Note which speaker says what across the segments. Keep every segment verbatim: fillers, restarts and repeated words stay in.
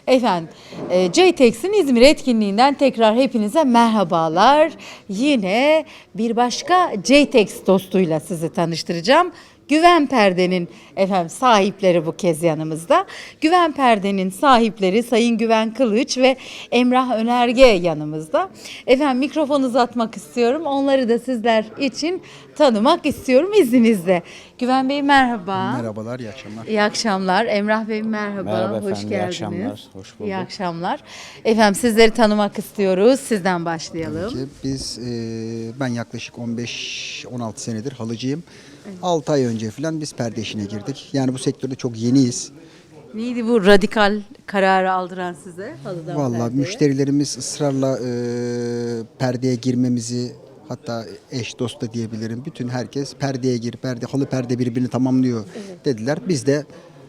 Speaker 1: Efendim, e, JTEX'in İzmir etkinliğinden tekrar hepinize merhabalar. Yine bir başka JTEX dostuyla sizi tanıştıracağım. Güven Perde'nin efendim sahipleri bu kez yanımızda. Güven Perde'nin sahipleri Sayın Güven Kılıç ve Emrah Önerge yanımızda. Efendim mikrofon uzatmak istiyorum. Onları da sizler için tanımak istiyorum izninizle. Güven Bey merhaba.
Speaker 2: Merhabalar, iyi akşamlar.
Speaker 1: İyi akşamlar. Emrah Bey merhaba.
Speaker 3: Merhaba
Speaker 1: Hoş
Speaker 3: efendim, iyi
Speaker 1: geldiniz.
Speaker 3: akşamlar. Hoş bulduk.
Speaker 1: İyi akşamlar. Efendim sizleri tanımak istiyoruz. Sizden başlayalım.
Speaker 2: Ki biz, e, ben yaklaşık on beş on altı senedir halıcıyım. altı ay önce falan biz perde işine girdik. Yani bu sektörde çok yeniyiz.
Speaker 1: Neydi bu radikal kararı aldıran size? Halıdan
Speaker 2: Vallahi
Speaker 1: perdeye?
Speaker 2: müşterilerimiz ısrarla e, perdeye girmemizi, hatta eş dost da diyebilirim. Bütün herkes perdeye gir, perde, halı perde birbirini tamamlıyor dediler. Biz de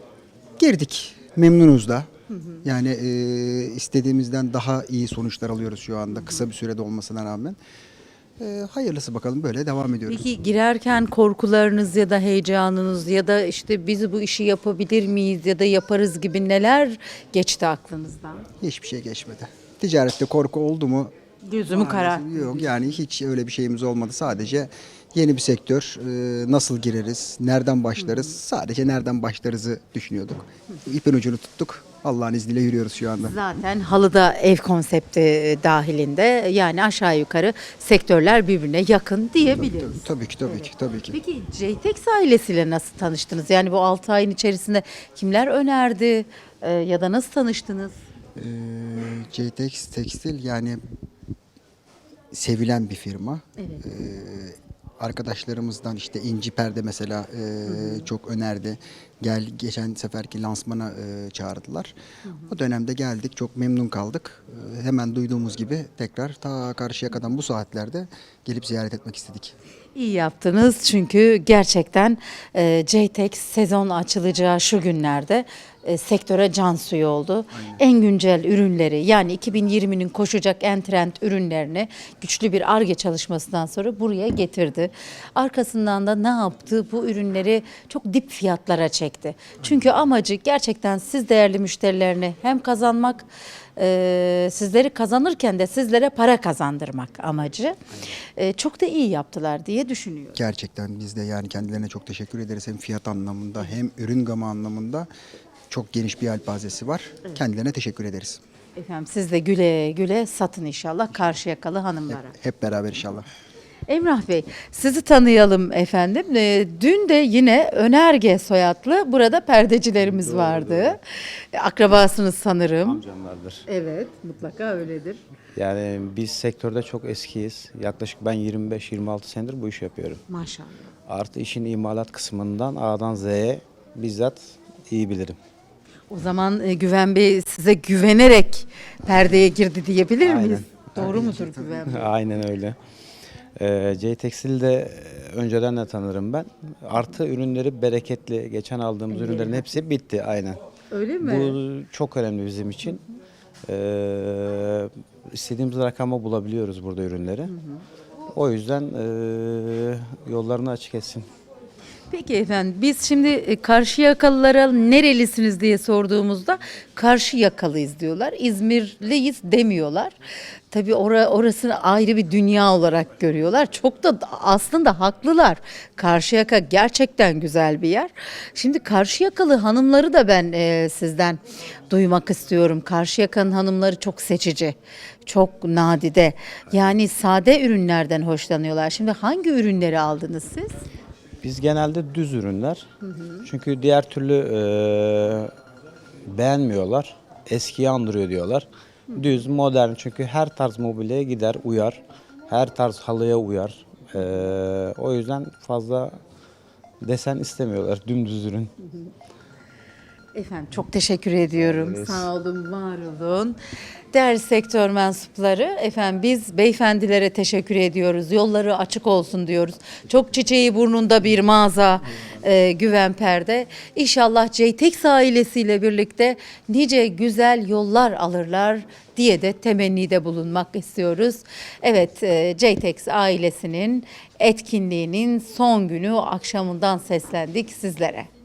Speaker 2: girdik. Memnunuz da. Yani e, istediğimizden daha iyi sonuçlar alıyoruz şu anda. Kısa bir sürede olmasına rağmen. E, hayırlısı bakalım, böyle devam ediyoruz.
Speaker 1: Peki girerken korkularınız ya da heyecanınız ya da işte biz bu işi yapabilir miyiz ya da yaparız gibi neler geçti aklınızdan?
Speaker 2: Hiçbir şey geçmedi. Ticarette korku oldu mu?
Speaker 1: Gözümü karar.
Speaker 2: Yok, yani hiç öyle bir şeyimiz olmadı. Sadece yeni bir sektör. E, nasıl gireriz? Nereden başlarız? Sadece nereden başlarızı düşünüyorduk. İpin ucunu tuttuk. Allah'ın izniyle yürüyoruz şu anda.
Speaker 1: Zaten halıda ev konsepti dahilinde yani aşağı yukarı sektörler birbirine yakın diyebiliriz.
Speaker 2: Tabii ki, tabii ki, tabii ki.
Speaker 1: Peki JTEX ailesiyle nasıl tanıştınız? Yani bu altı ayın içerisinde kimler önerdi e, ya da nasıl tanıştınız?
Speaker 2: Ee, JTEX Tekstil yani sevilen bir firma.
Speaker 1: Evet.
Speaker 2: Ee, arkadaşlarımızdan işte İnci Perde mesela e, çok önerdi. Gel, geçen seferki lansmana e, çağırdılar. O dönemde geldik, çok memnun kaldık. E, hemen duyduğumuz gibi tekrar ta Karşıyaka'dan bu saatlerde gelip ziyaret etmek istedik.
Speaker 1: İyi yaptınız çünkü gerçekten e, JTEX sezon açılacağı şu günlerde e, sektöre can suyu oldu. En güncel ürünleri yani iki bin yirminin koşacak en trend ürünlerini güçlü bir Ar-Ge çalışmasından sonra buraya getirdi. Arkasından da ne yaptı? Bu ürünleri çok dip fiyatlara çekti. Çünkü amacı gerçekten siz değerli müşterilerini hem kazanmak, e, sizleri kazanırken de sizlere para kazandırmak amacı. E, çok da iyi yaptılar diye düşünüyorum.
Speaker 2: Gerçekten biz de yani kendilerine çok teşekkür ederiz. Hem fiyat anlamında hem ürün gamı anlamında çok geniş bir yelpazesi var. Kendilerine teşekkür ederiz.
Speaker 1: Efendim siz de güle güle satın inşallah Karşıyakalı hanımlara.
Speaker 2: Hep beraber inşallah.
Speaker 1: Emrah Bey, sizi tanıyalım efendim. Ee, dün de yine Önerge soyadlı burada perdecilerimiz vardı. E, Akrabasınız sanırım.
Speaker 3: Amcamlardır.
Speaker 1: Evet, mutlaka öyledir.
Speaker 3: Yani biz sektörde çok eskiyiz. Yaklaşık ben yirmi beş yirmi altı senedir bu işi yapıyorum.
Speaker 1: Maşallah.
Speaker 3: Artı işin imalat kısmından A'dan Z'ye bizzat iyi bilirim.
Speaker 1: O zaman e, Güven Bey size güvenerek perdeye girdi diyebilir miyiz?
Speaker 3: Aynen.
Speaker 1: Doğru mudur Güven Bey?
Speaker 3: Aynen öyle. Ee, J Tekstil'de önceden de tanırım ben. Artı ürünleri bereketli. Geçen aldığımız ürünlerin hepsi bitti aynen.
Speaker 1: Öyle mi?
Speaker 3: Bu çok önemli bizim için. Ee, istediğimiz rakama bulabiliyoruz burada ürünleri. O yüzden ee, yollarını açık etsin.
Speaker 1: Peki efendim biz şimdi e, Karşıyakalılara nerelisiniz diye sorduğumuzda Karşıyakalıyız diyorlar. İzmirliyiz demiyorlar. Tabii ora, orasını ayrı bir dünya olarak görüyorlar. Çok da aslında haklılar. Karşıyaka gerçekten güzel bir yer. Şimdi Karşıyakalı hanımları da ben e, sizden duymak istiyorum. Karşıyaka'nın hanımları çok seçici, çok nadide. Yani sade ürünlerden hoşlanıyorlar. Şimdi hangi ürünleri aldınız siz?
Speaker 3: Biz genelde düz ürünler. Çünkü diğer türlü e, beğenmiyorlar. Eskiyi andırıyor diyorlar. Düz, modern, çünkü her tarz mobilyaya gider, uyar. Her tarz halıya uyar. E, o yüzden fazla desen istemiyorlar, dümdüz ürün.
Speaker 1: Efendim çok teşekkür ediyorum. Sağ olun, var olun. Değerli sektör mensupları, efendim biz beyefendilere teşekkür ediyoruz. Yolları açık olsun diyoruz. Çok çiçeği burnunda bir mağaza, e, Güven Perde. İnşallah JTEX ailesiyle birlikte nice güzel yollar alırlar diye de temennide bulunmak istiyoruz. Evet, e, JTEX ailesinin etkinliğinin son günü akşamından seslendik sizlere.